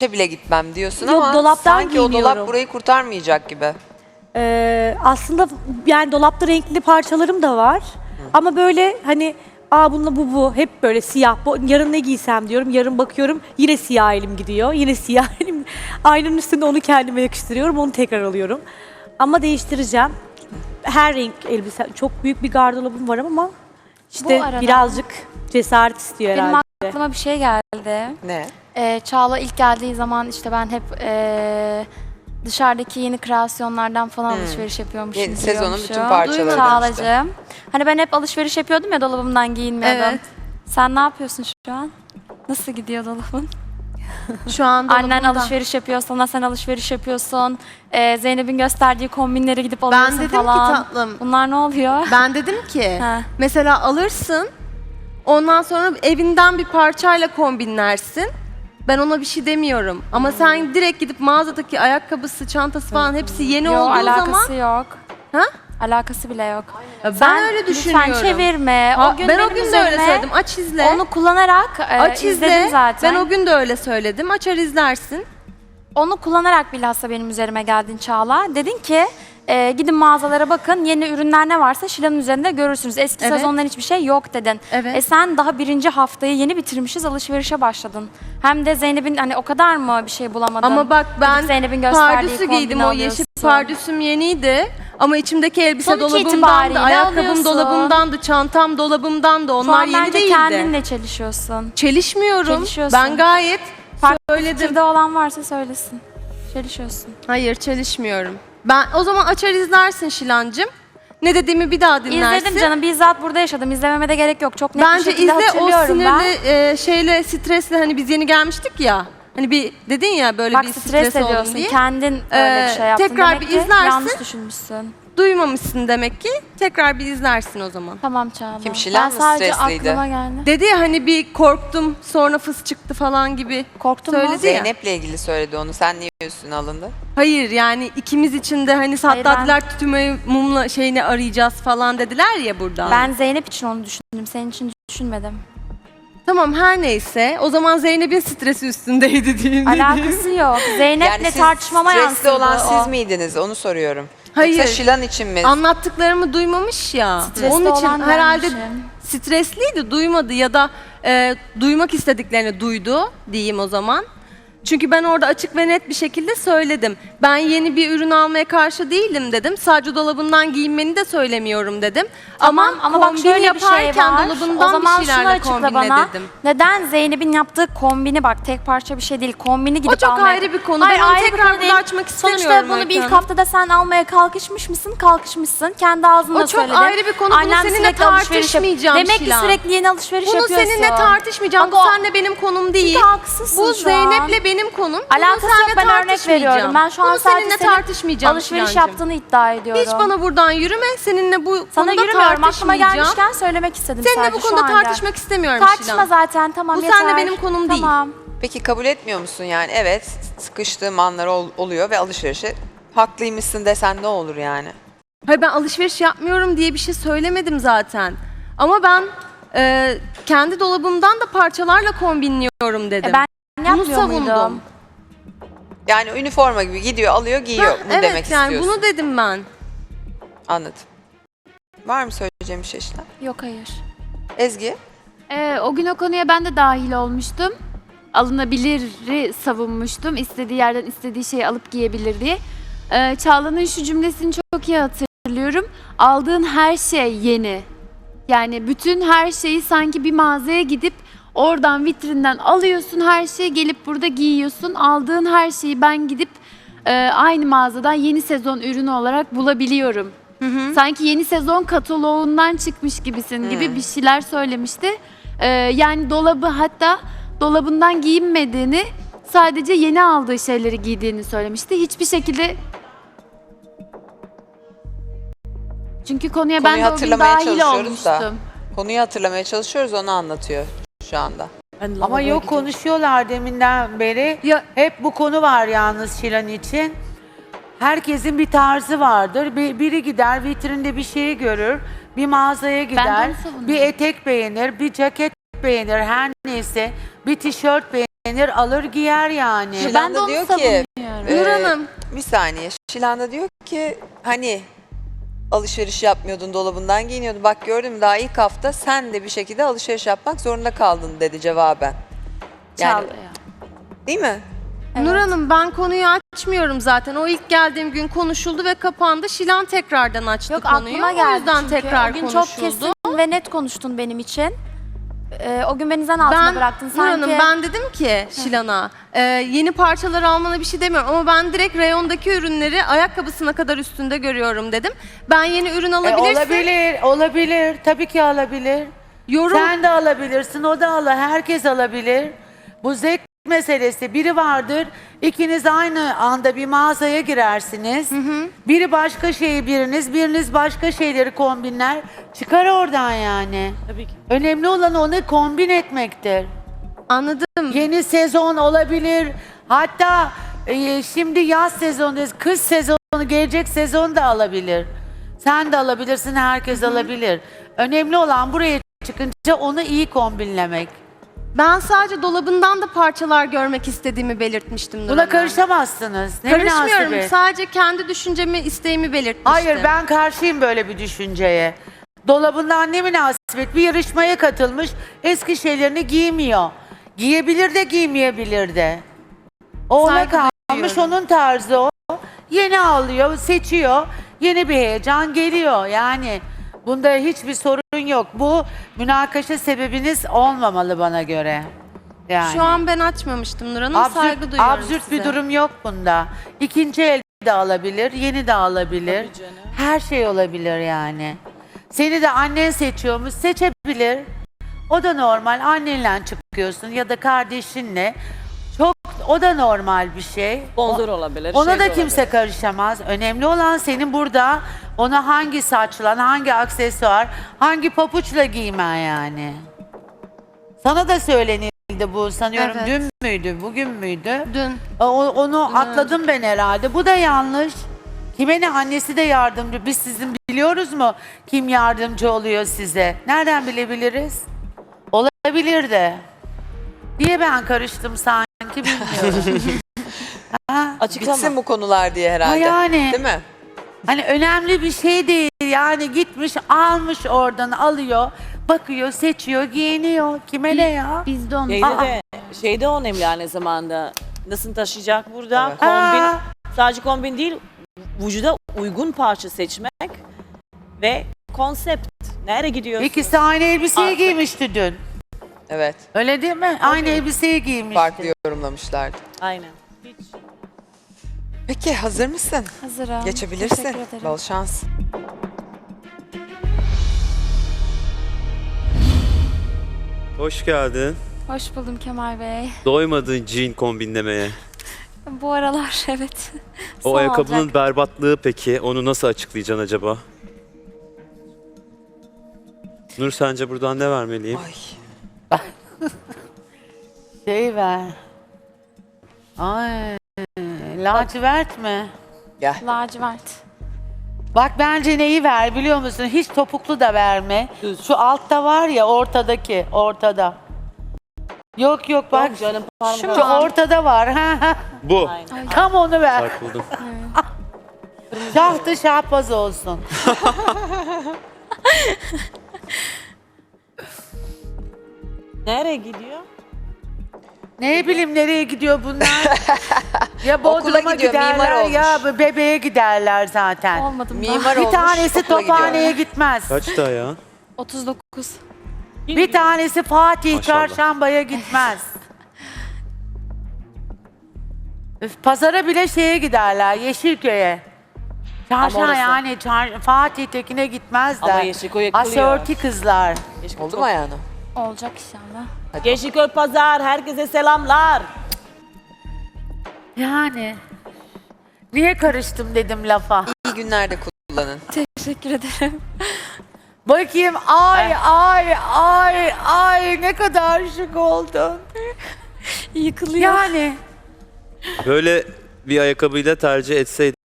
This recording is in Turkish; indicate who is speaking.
Speaker 1: bile gitmem diyorsun
Speaker 2: Yok,
Speaker 1: ama
Speaker 2: dolaptan
Speaker 1: sanki o dolap
Speaker 2: giyiniyorum.
Speaker 1: burayı kurtarmayacak gibi.
Speaker 2: Aslında yani dolapta renkli parçalarım da var. Ama böyle hani bununla bu hep böyle siyah. Yarın ne giysem diyorum. Yarın bakıyorum yine siyah elim gidiyor. Yine siyah elim. Aynanın üstünde onu kendime yakıştırıyorum. Onu tekrar alıyorum. Ama değiştireceğim. Her renk elbise. Çok büyük bir gardırobum var ama işte
Speaker 3: Bu arada
Speaker 2: birazcık cesaret istiyor
Speaker 3: benim
Speaker 2: herhalde.
Speaker 3: aklıma bir şey geldi.
Speaker 1: Ne?
Speaker 3: Çağla ilk geldiği zaman işte ben hep dışarıdaki yeni kreasyonlardan falan alışveriş yapıyormuşum.
Speaker 1: Yeni sezonun
Speaker 3: biliyormuşum.
Speaker 1: bütün parçalarından
Speaker 3: Çağlacığım. Hani ben hep alışveriş yapıyordum ya, dolabımdan giyinmiyordum.
Speaker 4: Evet.
Speaker 3: Sen ne yapıyorsun şu an? Nasıl gidiyor dolabın?
Speaker 4: Şu anda
Speaker 3: Annen alışveriş yapıyor, sana sen alışveriş yapıyorsun. Zeynep'in gösterdiği kombinlere gidip alıyorsun
Speaker 4: dedim ki
Speaker 3: falan.
Speaker 4: tatlım.
Speaker 3: Bunlar ne oluyor?
Speaker 4: Ben dedim ki
Speaker 3: He.
Speaker 4: mesela alırsın, ondan sonra evinden bir parçayla kombinlersin. Ben ona bir şey demiyorum. Ama sen direkt gidip mağazadaki ayakkabısı, çantası falan hepsi yeni
Speaker 3: Yok,
Speaker 4: olduğu
Speaker 3: alakası
Speaker 4: zaman...
Speaker 3: yok.
Speaker 4: Ha?
Speaker 3: Alakası bile yok.
Speaker 4: Ben
Speaker 3: Sen
Speaker 4: öyle düşünüyorum.
Speaker 3: Lütfen çevirme.
Speaker 4: Ha,
Speaker 3: O gün
Speaker 4: ben
Speaker 3: benim
Speaker 4: o gün de öyle
Speaker 3: üzerime
Speaker 4: söyledim. Aç izle.
Speaker 3: Onu kullanarak
Speaker 4: Aç
Speaker 3: izledim
Speaker 4: izle.
Speaker 3: zaten.
Speaker 4: Ben o gün de öyle söyledim. Açar izlersin.
Speaker 3: Onu kullanarak bilhassa benim üzerime geldin Çağla. Dedin ki gidin mağazalara bakın, yeni ürünler ne varsa Şilan'ın üzerinde görürsünüz. Eski
Speaker 4: Evet.
Speaker 3: sezondan hiçbir şey yok dedin.
Speaker 4: Evet.
Speaker 3: Sen daha birinci haftayı yeni bitirmişiz, alışverişe başladın. Hem de Zeynep'in hani o kadar mı bir şey bulamadın?
Speaker 4: Ama bak ben
Speaker 3: Gidip Zeynep'in gösterdiği
Speaker 4: pardüsü giydim.
Speaker 3: kombini
Speaker 4: O yeşil
Speaker 3: alıyorsun.
Speaker 4: pardüsüm yeniydi. Ama içimdeki elbise
Speaker 3: Sonuç
Speaker 4: dolabımdandı,
Speaker 3: itibariyle
Speaker 4: ayakkabım
Speaker 3: alıyorsun.
Speaker 4: dolabımdandı, çantam dolabımdandı.
Speaker 3: Şu
Speaker 4: Onlar
Speaker 3: an
Speaker 4: yeni
Speaker 3: bence
Speaker 4: değildi.
Speaker 3: kendinle çelişiyorsun.
Speaker 4: Çelişmiyorum.
Speaker 3: Çelişiyorsun.
Speaker 4: Ben gayet
Speaker 3: Farklı
Speaker 4: söyledim.
Speaker 3: fikirde olan varsa söylesin. Çelişiyorsun.
Speaker 4: Hayır, çelişmiyorum. Ben o zaman açar izlersin Şilancığım. Ne dediğimi bir daha dinlersin.
Speaker 3: İzledim canım. Bizzat burada yaşadım. İzlememe de gerek yok. Çok net bir
Speaker 4: Bence
Speaker 3: şekilde
Speaker 4: izle, o
Speaker 3: hatırlıyorum ben.
Speaker 4: sinirli şeyle, stresle, hani biz yeni gelmiştik ya. Hani bir dedin ya böyle
Speaker 3: Bak
Speaker 4: bir
Speaker 3: stres
Speaker 4: stres oldum
Speaker 3: ediyorsun.
Speaker 4: diye.
Speaker 3: Kendin öyle bir şey yaptın.
Speaker 4: tekrar
Speaker 3: Demek
Speaker 4: bir
Speaker 3: ki
Speaker 4: izlersin.
Speaker 3: yanlış düşünmüşsün.
Speaker 4: Duymamışsın demek ki. Tekrar bir izlersin o zaman.
Speaker 3: Tamam Çağla.
Speaker 1: Kim, Şilan
Speaker 3: ben
Speaker 1: mı
Speaker 3: sadece
Speaker 1: stresliydi?
Speaker 3: aklıma geldi.
Speaker 4: Dedi ya hani bir korktum sonra fıs çıktı falan gibi.
Speaker 3: Korktun mu?
Speaker 4: Söyledi ya.
Speaker 1: Zeynep'le ilgili söyledi onu. Sen niye üstüne alındı?
Speaker 4: Hayır yani ikimiz için de hani
Speaker 3: Hayır,
Speaker 4: hatta
Speaker 3: ben-
Speaker 4: dediler tütümeyi mumla şeyini arayacağız falan dediler ya burada.
Speaker 3: Ben Zeynep için onu düşündüm. Senin için düşünmedim.
Speaker 4: Tamam her neyse o zaman Zeynep'in stresi üstündeydi diyeyim.
Speaker 3: Alakası yok. Zeynep'le
Speaker 1: siz
Speaker 3: tartışmama
Speaker 1: stresli
Speaker 3: yansıdı
Speaker 1: olan
Speaker 3: o.
Speaker 1: siz miydiniz? Onu soruyorum.
Speaker 4: Hayır.
Speaker 1: Yoksa Şilan için mi?
Speaker 4: Anlattıklarımı duymamış ya.
Speaker 3: Stresli
Speaker 4: Onun için
Speaker 3: olan
Speaker 4: herhalde
Speaker 3: benmişim.
Speaker 4: stresliydi, duymadı ya da duymak istediklerini duydu diyeyim o zaman. Çünkü ben orada açık ve net bir şekilde söyledim. Ben yeni bir ürün almaya karşı değilim dedim. Sadece dolabından giyinmeni de söylemiyorum dedim.
Speaker 3: Tamam ama bak
Speaker 4: kombin
Speaker 3: şöyle bir şey
Speaker 4: yaparken
Speaker 3: var.
Speaker 4: dolabından
Speaker 3: O zaman
Speaker 4: bir
Speaker 3: şunu
Speaker 4: şeylerle
Speaker 3: açıkla
Speaker 4: kombinle
Speaker 3: bana.
Speaker 4: dedim.
Speaker 3: Neden Zeynep'in yaptığı kombini, bak tek parça bir şey değil. Kombini gidip
Speaker 4: O çok
Speaker 3: almaya...
Speaker 4: ayrı bir konu.
Speaker 3: Hayır,
Speaker 4: Ben onu
Speaker 3: ayrı bir
Speaker 4: tekrar
Speaker 3: konu
Speaker 4: burada
Speaker 3: değil.
Speaker 4: açmak istemiyorum.
Speaker 3: Sonuçta bunu bir
Speaker 4: Öykü
Speaker 3: ilk
Speaker 4: Hanım.
Speaker 3: haftada sen almaya kalkışmış mısın? Kalkışmışsın. Kendi ağzınla
Speaker 4: O çok
Speaker 3: söyledin.
Speaker 4: ayrı bir konu. Bunu
Speaker 3: Annem
Speaker 4: seninle
Speaker 3: sürekli alışveriş yap-
Speaker 4: tartışmayacağım
Speaker 3: Demek ki
Speaker 4: Şilan.
Speaker 3: sürekli yeni alışveriş
Speaker 4: Bunu
Speaker 3: yapıyorsun.
Speaker 4: seninle tartışmayacağım.
Speaker 3: Bak
Speaker 4: Bu
Speaker 3: o-
Speaker 4: seninle benim konum değil.
Speaker 3: Çünkü haksızsın
Speaker 4: Bu
Speaker 3: şu an.
Speaker 4: Zeynep'le benim konum. Bunu
Speaker 3: Alakası yok,
Speaker 4: seninle
Speaker 3: ben örnek
Speaker 4: tartışmayacağım.
Speaker 3: veriyorum. Ben şu an
Speaker 4: Bunu
Speaker 3: sadece
Speaker 4: seninle
Speaker 3: senin
Speaker 4: tartışmayacağım
Speaker 3: alışveriş
Speaker 4: Şilancığım.
Speaker 3: yaptığını iddia ediyorum.
Speaker 4: Hiç bana buradan yürüme. Seninle bu
Speaker 3: Sana
Speaker 4: konuda
Speaker 3: yürümüyorum. Aklıma
Speaker 4: tartışmayacağım.
Speaker 3: gelmişken söylemek istedim
Speaker 4: Seninle
Speaker 3: sadece
Speaker 4: bu
Speaker 3: şu
Speaker 4: konuda
Speaker 3: anda.
Speaker 4: tartışmak istemiyorum
Speaker 3: Tartışma
Speaker 4: Şilan.
Speaker 3: zaten, tamam
Speaker 4: Bu
Speaker 3: yeter.
Speaker 4: seninle benim konum değil.
Speaker 3: Tamam.
Speaker 1: Peki kabul etmiyor musun yani? Evet, sıkıştığım anlar oluyor ve alışverişe haklıymışsın desen ne olur yani?
Speaker 4: Hayır ben alışveriş yapmıyorum diye bir şey söylemedim zaten. Ama ben kendi dolabımdan da parçalarla kombinliyorum dedim.
Speaker 3: Ben
Speaker 4: Bunu
Speaker 3: yapmıyor
Speaker 4: savundum.
Speaker 3: muydum?
Speaker 1: Yani üniforma gibi gidiyor, alıyor, giyiyor.
Speaker 4: Ha,
Speaker 1: Bunu
Speaker 4: evet
Speaker 1: demek
Speaker 4: yani
Speaker 1: istiyorsun.
Speaker 4: bunu dedim ben.
Speaker 1: Anladım. Var mı söyleyeceğim bir şey Şilan?
Speaker 3: Yok hayır.
Speaker 1: Ezgi?
Speaker 5: O gün o konuya ben de dahil olmuştum. Alınabiliri savunmuştum. İstediği yerden istediği şeyi alıp giyebilir diye. Çağla'nın şu cümlesini çok iyi hatırlıyorum. Aldığın her şey yeni. Yani bütün her şeyi sanki bir mağazaya gidip oradan vitrinden alıyorsun, her şeyi gelip burada giyiyorsun. Aldığın her şeyi ben gidip aynı mağazadan yeni sezon ürünü olarak bulabiliyorum. Sanki yeni sezon kataloğundan çıkmış gibisin gibi bir şeyler söylemişti. Yani dolabı, hatta dolabından giyinmediğini, sadece yeni aldığı şeyleri giydiğini söylemişti. Hiçbir şekilde... Çünkü konuya ben
Speaker 1: Konuyu
Speaker 5: de o gün
Speaker 1: hatırlamaya
Speaker 5: dahil
Speaker 1: çalışıyoruz da.
Speaker 5: olmuştum.
Speaker 1: Konuyu hatırlamaya çalışıyoruz, onu anlatıyor şu anda.
Speaker 6: Ama yok konuşuyorlar deminden beri.
Speaker 4: Ya-
Speaker 6: Hep bu konu var yalnız Şilan için. Herkesin bir tarzı vardır. Biri gider vitrinde bir şeyi görür. Bir mağazaya gider.
Speaker 5: onu savunuyorum.
Speaker 6: Bir etek beğenir, bir ceket beğenir, her neyse. Bir tişört beğenir. beğenir, alır giyer yani.
Speaker 1: Şilan da
Speaker 5: onu
Speaker 1: diyor ki,
Speaker 5: savunuyorum.
Speaker 4: Nur Hanım.
Speaker 1: bir saniye. Şilan da diyor ki hani alışveriş yapmıyordun, dolabından giyiniyordun. Bak gördün mü, daha ilk hafta sen de bir şekilde alışveriş yapmak zorunda kaldın dedi cevaben. Yani,
Speaker 5: Çağla'ya.
Speaker 1: değil mi?
Speaker 4: Nur Hanım ben konuyu açmıyorum zaten. O ilk geldiğim gün konuşuldu ve kapandı. Şilan tekrardan açtı
Speaker 3: Yok
Speaker 4: konuyu.
Speaker 3: aklıma
Speaker 4: O
Speaker 3: geldi
Speaker 4: yüzden
Speaker 3: çünkü.
Speaker 4: tekrar
Speaker 3: O gün
Speaker 4: konuşuldu.
Speaker 3: çok kesin ve net konuştun benim için. O gün beni zan altında bıraktın
Speaker 4: Nur
Speaker 3: sanki.
Speaker 4: Hanım ben dedim ki Şilan'a yeni parçalar almana bir şey demiyorum ama ben direkt reyondaki ürünleri ayakkabısına kadar üstünde görüyorum dedim. Ben yeni ürün alabilirsin.
Speaker 6: Olabilir. Tabii ki alabilir.
Speaker 4: Yorum
Speaker 6: Sen de alabilirsin, o da alır. Herkes alabilir. Bu zevk meselesi. Biri vardır, ikiniz aynı anda bir mağazaya girersiniz. Biri başka şeyi biriniz başka şeyleri kombinler. Çıkar oradan yani.
Speaker 7: Tabii ki.
Speaker 6: Önemli olan onu kombin etmektir.
Speaker 4: anladım.
Speaker 6: Yeni sezon olabilir. Hatta şimdi yaz sezondayız. Kış sezonu, gelecek sezon da alabilir. Sen de alabilirsin, herkes alabilir. Önemli olan buraya çıkınca onu iyi kombinlemek.
Speaker 4: Ben sadece dolabından da parçalar görmek istediğimi belirtmiştim Nur
Speaker 6: Buna
Speaker 4: Hanım.
Speaker 6: karışamazsınız. Ne
Speaker 4: Karışmıyorum.
Speaker 6: münasebet.
Speaker 4: Sadece kendi düşüncemi, isteğimi belirtmiştim.
Speaker 6: Hayır, ben karşıyım böyle bir düşünceye. Dolabından ne münasebet, bir yarışmaya katılmış, eski şeylerini giymiyor. Giyebilir de giymeyebilir de. O ona
Speaker 4: Saygı
Speaker 6: kalmış,
Speaker 4: duyuyorum.
Speaker 6: onun tarzı o. Yeni alıyor, seçiyor, yeni bir heyecan geliyor. Yani bunda hiçbir sorun yok. Bu münakaşa sebebiniz olmamalı bana göre. Yani.
Speaker 4: Şu an ben açmamıştım Nur Hanım. Saygı duyuyorum
Speaker 6: absürt
Speaker 4: size.
Speaker 6: bir durum yok bunda. İkinci el de alabilir, yeni de alabilir.
Speaker 7: Tabii canım.
Speaker 6: Her şey olabilir yani. Seni de annen seçiyormuş, seçebilir. O da normal. Annenle çıkıyorsun ya da kardeşinle. Çok, o da normal bir şey.
Speaker 7: Sponsor olabilir.
Speaker 6: Ona
Speaker 7: şey
Speaker 6: da
Speaker 7: de
Speaker 6: kimse
Speaker 7: olabilir.
Speaker 6: karışamaz. Önemli olan senin burada ona hangi saçla, hangi aksesuar, hangi papuçla giymen yani. Sana da söylenildi bu, sanıyorum
Speaker 4: Evet.
Speaker 6: dün müydü, bugün müydü?
Speaker 4: Dün.
Speaker 6: Onu atladım ben herhalde. Bu da yanlış. Kime ne, annesi de yardımcı. Biz sizin biliyoruz mu kim yardımcı oluyor size? Nereden bilebiliriz? Olabilir de. Diye ben karıştım sanki, bilmiyorum. Ha?
Speaker 7: Açıklama.
Speaker 1: Bitsin bu konular diye herhalde.
Speaker 6: Ha yani.
Speaker 1: Değil mi?
Speaker 6: Hani önemli bir şey değil. Yani gitmiş, almış, oradan alıyor, bakıyor, seçiyor, giyiniyor. Kime ne ya?
Speaker 5: Biz de onu
Speaker 7: Şey de önemli aynı zamanda. Nasıl taşıyacak burada?
Speaker 1: Evet.
Speaker 7: Kombin,
Speaker 6: Aa.
Speaker 7: sadece kombin değil, vücuda uygun parça seçmek ve konsept. Nereye gidiyorsun?
Speaker 6: İkisi aynı elbiseyi
Speaker 7: Artık.
Speaker 6: giymişti dün.
Speaker 1: Evet.
Speaker 6: Öyle değil mi? Aynı elbiseyi giymişti.
Speaker 1: Farklı yorumlamışlardı.
Speaker 7: Aynen. Hiç.
Speaker 1: Peki hazır mısın?
Speaker 3: Hazırım.
Speaker 1: Geçebilirsin.
Speaker 3: Teşekkür ederim.
Speaker 1: Bol şans.
Speaker 8: Hoş geldin.
Speaker 3: Hoş buldum Kemal Bey.
Speaker 8: Doymadın jean kombinlemeye.
Speaker 3: Bu aralar evet.
Speaker 8: O
Speaker 3: Son
Speaker 8: ayakkabının
Speaker 3: olacak.
Speaker 8: berbatlığı peki, onu nasıl açıklayacaksın acaba? Nur, sence buradan ne vermeliyim?
Speaker 1: Ay.
Speaker 6: Şey ver. Ay, lacivert mi?
Speaker 1: Gel.
Speaker 3: Lacivert.
Speaker 6: Bak bence neyi ver biliyor musun? Hiç topuklu da verme. Şu altta var ya, ortadaki, ortada. Yok bak.
Speaker 7: Yok canım,
Speaker 6: Şu
Speaker 7: parmak.
Speaker 6: ortada var. Ha.
Speaker 8: Bu.
Speaker 7: Aynen.
Speaker 6: Tam onu ver.
Speaker 8: Bak buldum.
Speaker 6: Şahtı şahbaz olsun.
Speaker 7: Nereye gidiyor?
Speaker 6: Ne bileyim nereye gidiyor bunlar? Ya
Speaker 1: Okula
Speaker 6: Bodrum'a
Speaker 1: gidiyor, mimar
Speaker 6: giderler ya
Speaker 1: olmuş.
Speaker 6: bebeğe giderler zaten.
Speaker 3: Olmadım da.
Speaker 1: Mimar
Speaker 6: Bir
Speaker 1: olmuş.
Speaker 6: tanesi
Speaker 1: okula gidiyor.
Speaker 6: Tophane'ye gitmez.
Speaker 8: Kaçta ya?
Speaker 3: 39.
Speaker 6: Bir tanesi Fatih
Speaker 8: Maşallah.
Speaker 6: Çarşamba'ya gitmez. Üf, pazara bile şeye giderler, Yeşilköy'e. Çarşamba
Speaker 7: orası-
Speaker 6: yani Fatih Tekin'e gitmezler.
Speaker 7: Ama Yeşilköy'e kılıyor.
Speaker 6: Asorti kızlar.
Speaker 1: Oldu mu ayağına?
Speaker 3: Olacak inşallah.
Speaker 7: Yeşilköy Pazar, herkese selamlar.
Speaker 6: Yani. Niye karıştım dedim lafa.
Speaker 1: İyi günlerde kullanın.
Speaker 3: Teşekkür ederim.
Speaker 6: Bakayım ay ne kadar şık oldun.
Speaker 3: Yıkılıyor.
Speaker 6: Yani
Speaker 8: Böyle bir ayakkabıyla tercih etseydin